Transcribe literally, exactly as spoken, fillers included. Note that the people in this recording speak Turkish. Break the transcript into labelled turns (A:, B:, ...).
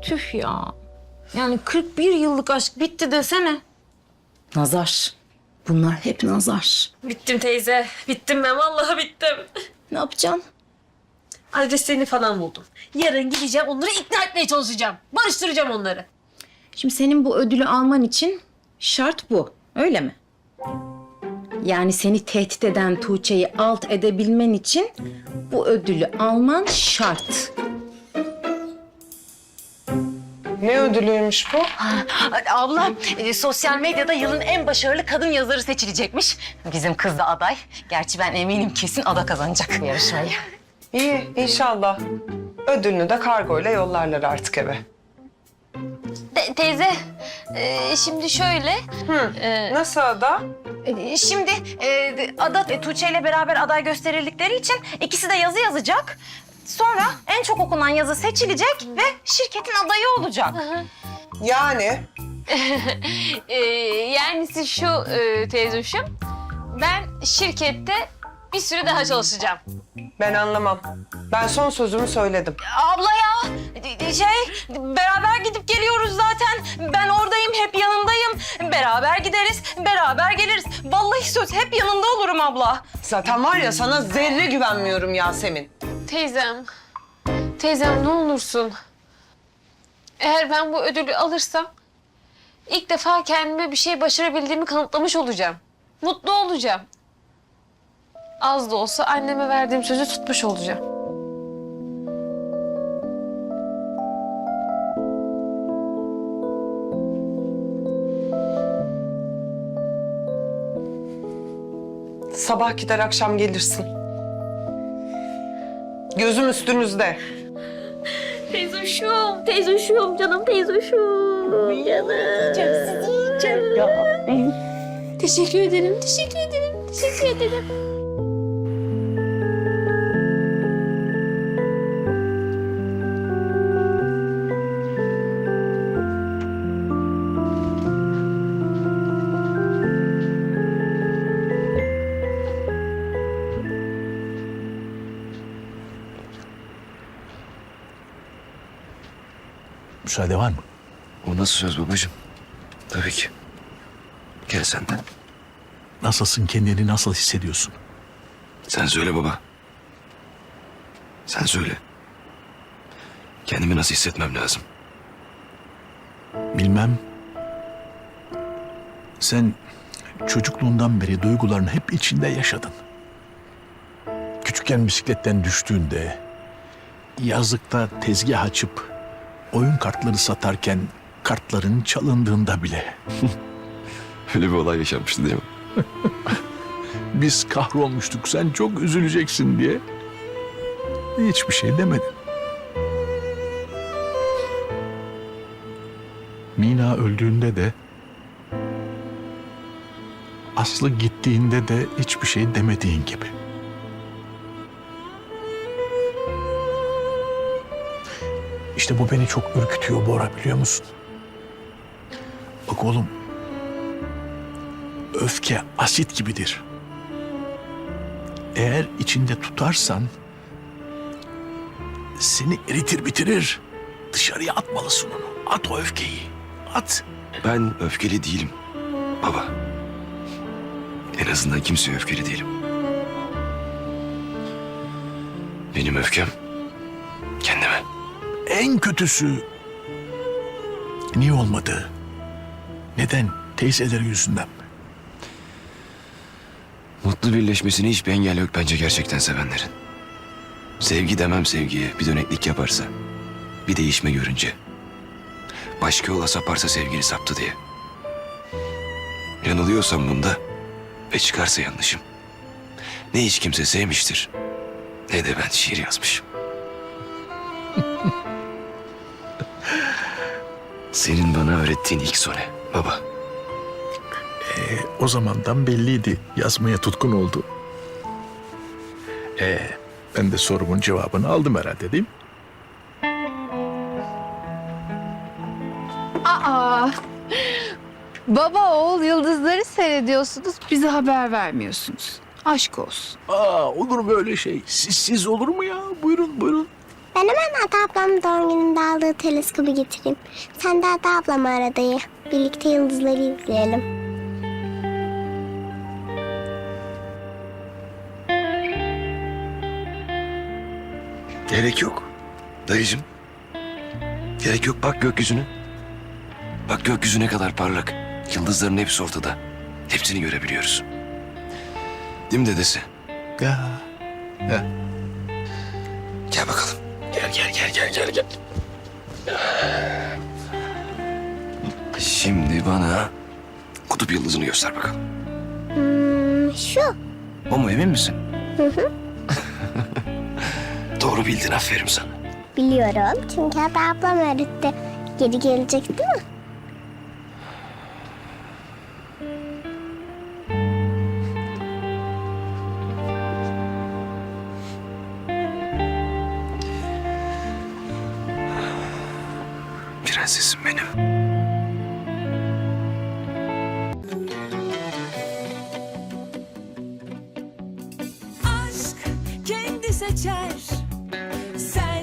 A: Tüh ya. Yani kırk bir yıllık aşk bitti desene.
B: Nazar. Bunlar hep nazar.
C: Bittim teyze. Bittim ben. Vallahi bittim.
B: Ne yapacaksın?
C: Adreslerini falan buldum. Yarın gideceğim onları ikna etmeye çalışacağım. Barıştıracağım onları.
B: Şimdi senin bu ödülü alman için şart bu. Öyle mi? Yani seni tehdit eden Tuğçe'yi alt edebilmen için bu ödülü alman şart.
D: Ne ödülüymüş bu?
B: Abla, e, sosyal medyada yılın en başarılı kadın yazarı seçilecekmiş. Bizim kız da aday. Gerçi ben eminim kesin Ada kazanacak yarışmayı.
D: İyi, inşallah. Ödülünü de kargoyla yollarlar artık eve.
A: Te- teyze, e, şimdi şöyle.
D: Hı. Nasıl Ada?
B: E, Şimdi e, Ada e, Tuğçe ile beraber aday gösterildikleri için ikisi de yazı yazacak. Sonra en çok okunan yazı seçilecek ve şirketin adayı olacak.
D: Yani
A: E, yani siz şu e, teyzoşum, ben şirkette bir süre daha çalışacağım.
D: ben anlamam. Ben son sözümü söyledim.
B: Abla ya, şey beraber gidip geliyoruz zaten. Ben oradayım, hep yanındayım. Beraber gideriz, beraber geliriz. Vallahi söz hep yanında olurum abla.
D: Zaten var ya sana zerre güvenmiyorum Yasemin.
A: Teyzem, teyzem ne olursun. Eğer ben bu ödülü alırsam ilk defa kendime bir şey başarabildiğimi kanıtlamış olacağım. Mutlu olacağım. Az da olsa anneme verdiğim sözü tutmuş olacağım.
D: Sabah gider akşam gelirsin. Gözüm üstünüzde.
A: Teyzoşum, teyzoşum, canım teyzoşum. Canım. Sizi yiyeceğim ya. Teşekkür ederim, teşekkür ederim, teşekkür ederim.
E: Müsaade var mı?
F: O nasıl söz babacığım? Tabii ki. Gel sen de.
E: Nasılsın, kendini nasıl hissediyorsun?
F: Sen söyle baba. Sen söyle. Kendimi nasıl hissetmem lazım?
E: Bilmem. Sen çocukluğundan beri duygularını hep içinde yaşadın. Küçükken bisikletten düştüğünde, yazlıkta tezgah açıp oyun kartları satarken kartların çalındığında bile
F: Öyle bir olay yaşanmıştı değil mi?
E: biz kahrolmuştuk, sen çok üzüleceksin diye hiçbir şey demedin. Mina öldüğünde de, Aslı gittiğinde de hiçbir şey demediğin gibi. İşte bu beni çok ürkütüyor Bora, biliyor musun? Bak oğlum, öfke asit gibidir. Eğer içinde tutarsan seni eritir bitirir. Dışarıya atmalısın onu. At o öfkeyi. At.
F: Ben öfkeli değilim baba. En azından kimseye öfkeli değilim. Benim öfkem kendime.
E: En kötüsü niye olmadı? Neden? Teyzeleri yüzünden mi?
F: Mutlu birleşmesine hiçbir engel yok bence gerçekten sevenlerin. Sevgi demem sevgiye bir döneklik yaparsa, bir değişme görünce. Başka yola saparsa sevgili saptı diye. Yanılıyorsam bunda ve çıkarsa yanlışım. Ne hiç kimse sevmiştir, ne de ben şiir yazmışım. Senin bana öğrettiğin ilk sone baba.
E: E, o zamandan belliydi. Yazmaya tutkun oldu. E, ben de sorumun cevabını aldım herhalde, değil mi?
G: Aa, baba oğul yıldızları seyrediyorsunuz, bize haber vermiyorsunuz. Aşk olsun.
E: Aa, olur mu öyle şey? Sizsiz olur mu ya? Buyurun, buyurun.
H: Ben hemen Ada ablamın doğum gününde aldığı teleskobu getireyim. Sen de Ada ablamı ara dayı. Birlikte yıldızları izleyelim.
F: Gerek yok. Dayıcığım. Gerek yok. Bak gökyüzüne. Bak gökyüzü ne kadar parlak. Yıldızların hepsi ortada. Hepsini görebiliyoruz. Değil mi dedesi?
E: Ya. Ya.
F: Gel bakalım. Gel gel gel gel gel gel. Şimdi bana kutup yıldızını göster bakalım.
H: Hmm, şu.
F: O mu, emin misin? Hı hı. Doğru bildin, aferin sana.
H: Biliyorum çünkü Ada ablam öğretti. Geri gelecek değil mi?
F: Prensesim benim.
I: Aşk kendi seçer. Sen